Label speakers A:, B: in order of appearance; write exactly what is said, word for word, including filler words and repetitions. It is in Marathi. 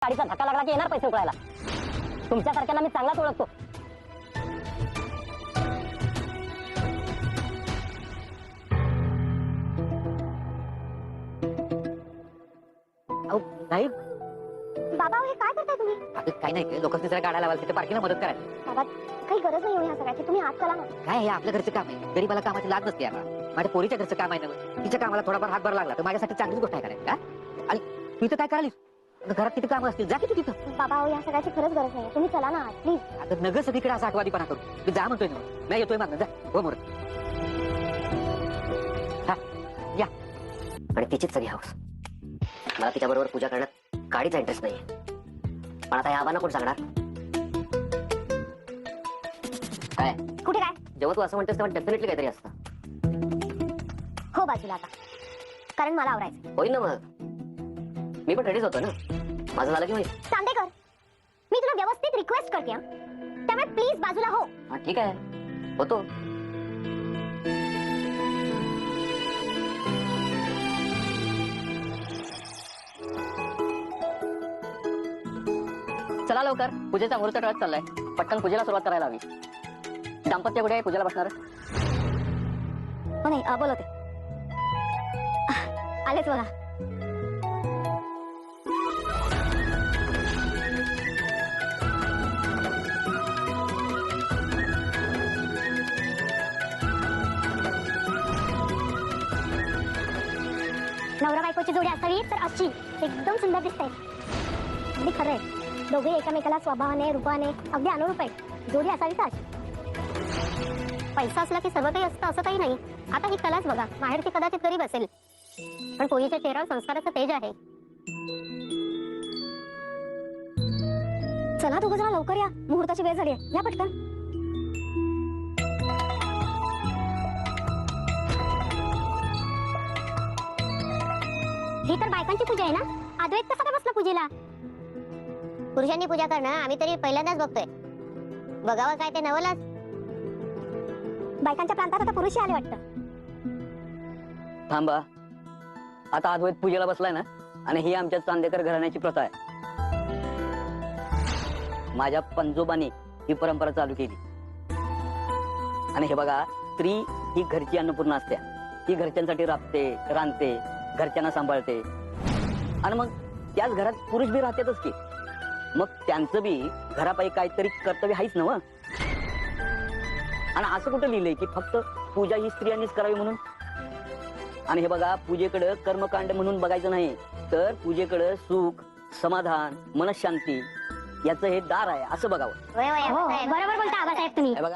A: गाडीचा धक्का लागला की येणार पैसे उकळायला. तुमच्यासारख्यांना मी चांगलाच ओळखतो.
B: अहो नाही
C: बाबा हे काय करताय तुम्ही?
B: काही नाही, लोकांनी जरा गाड्या लावायला तिथे पार्किंगला मदत करायला.
C: बाबा काही गरज नाही ह्या सगळ्याची, तुम्ही आत चला ना.
B: काय हे आपल्या घरचं काम आहे, गरीबाला कामाची लाज नसते याला. माझ्या पोरीच्या घरचं काम आहे ना, तिच्या कामाला थोडाफार हातभार लागला तर माझ्यासाठी चांगलीच गोष्ट आहे करायला. आणि तू इथं काय करालीस? घरात किती काम असतील, जा की तू तिथं.
C: बाबा ह्या सगळ्याची खरंच गरज नाही, तुम्ही चला ना प्लीज.
B: आता नग सगळीकडे असा आठवादीपणा करू. मी जा म्हणतोय ना, नाही येतोय मागणं, जा हो मोर. हा या. आणि तिचीच सगळी हौस. मला तिच्याबरोबर पूजा करण्यात काडीचा इंटरेस्ट नाहीये, पण आता या आबांना कोण सांगणार? काय
C: कुठे काय?
B: जेव्हा तू असं म्हणतेस तेव्हा डेफिनेटली काहीतरी असतं.
C: हो बाजूला आता, कारण मला आवरायचं.
B: होईल ना मग, मी पण रेडीच होतो ना. माझं झालं की होईल.
C: चांदेकर, मी तुला व्यवस्थित रिक्वेस्ट करते हा, त्यामुळे प्लीज बाजूला हो.
B: हा ठीक आहे, होतो. चला लवकर, पूजेचा मुहूर्त टळत चाललाय. पटकन पूजेला सुरुवात करायला हवी. दाम्पत्य कुठे आहे पूजेला बसणार?
C: हो नाही, अ, बोलवते. आलेच बघा. नवरा बायकोची जोडी असावी तर अशी एकदम सुंदर दिसते. अगदी खरं आहे, दोघे एकामेकाला स्वभावाने रूपाने अगदी अनुरूप आहेत. जोडी असावी तर अशी. पैसा असला की सर्व काही असतं असं काही नाही. आता ही कलाच बघा, माहेरची कदाचित गरीब असेल, पण पोरीच्या चेहऱ्यावर संस्काराचं तेज आहे. चला दोघं जण लवकर या, मुहूर्ताची वेळ झाली आहे. या पटकन. ही तर बायकांची पूजा आहे ना, अद्वैत कसा काय बसला पूजेला? पुरुषांनी पूजा करणं आम्ही तरी पहिल्यांदाच बघतोय. बघावं काय ते नवलाच. बायकांच्या प्रांतात आता पुरुषही आले वाटतं.
A: थांबा, आता अद्वैत पूजेला बसलाय ना, आणि ही आमच्या चांदेकर घराण्याची प्रथा आहे. माझ्या पंजोबांनी ही परंपरा चालू केली. आणि हे बघा, स्त्री ही घरची अन्नपूर्णा असते. ही घरच्यांसाठी राबते, रांधते, घरच्यांना सांभाळते, आणि मग त्याच घरात पुरुष बी राहतातच की. मग त्यांचं बी घरापायी काहीतरी कर्तव्य आहेच ना. आणि असं कुठं लिहिलंय की फक्त पूजा ही स्त्रियांनीच करावी म्हणून? आणि हे बघा, पूजेकडे कर्मकांड म्हणून बघायचं नाही, तर पूजेकडे सुख, समाधान, मनशांती याचं हे दार आहे असं बघावं.
C: बरोबर बोलता आबासाहेब तुम्ही.
A: हे बघा,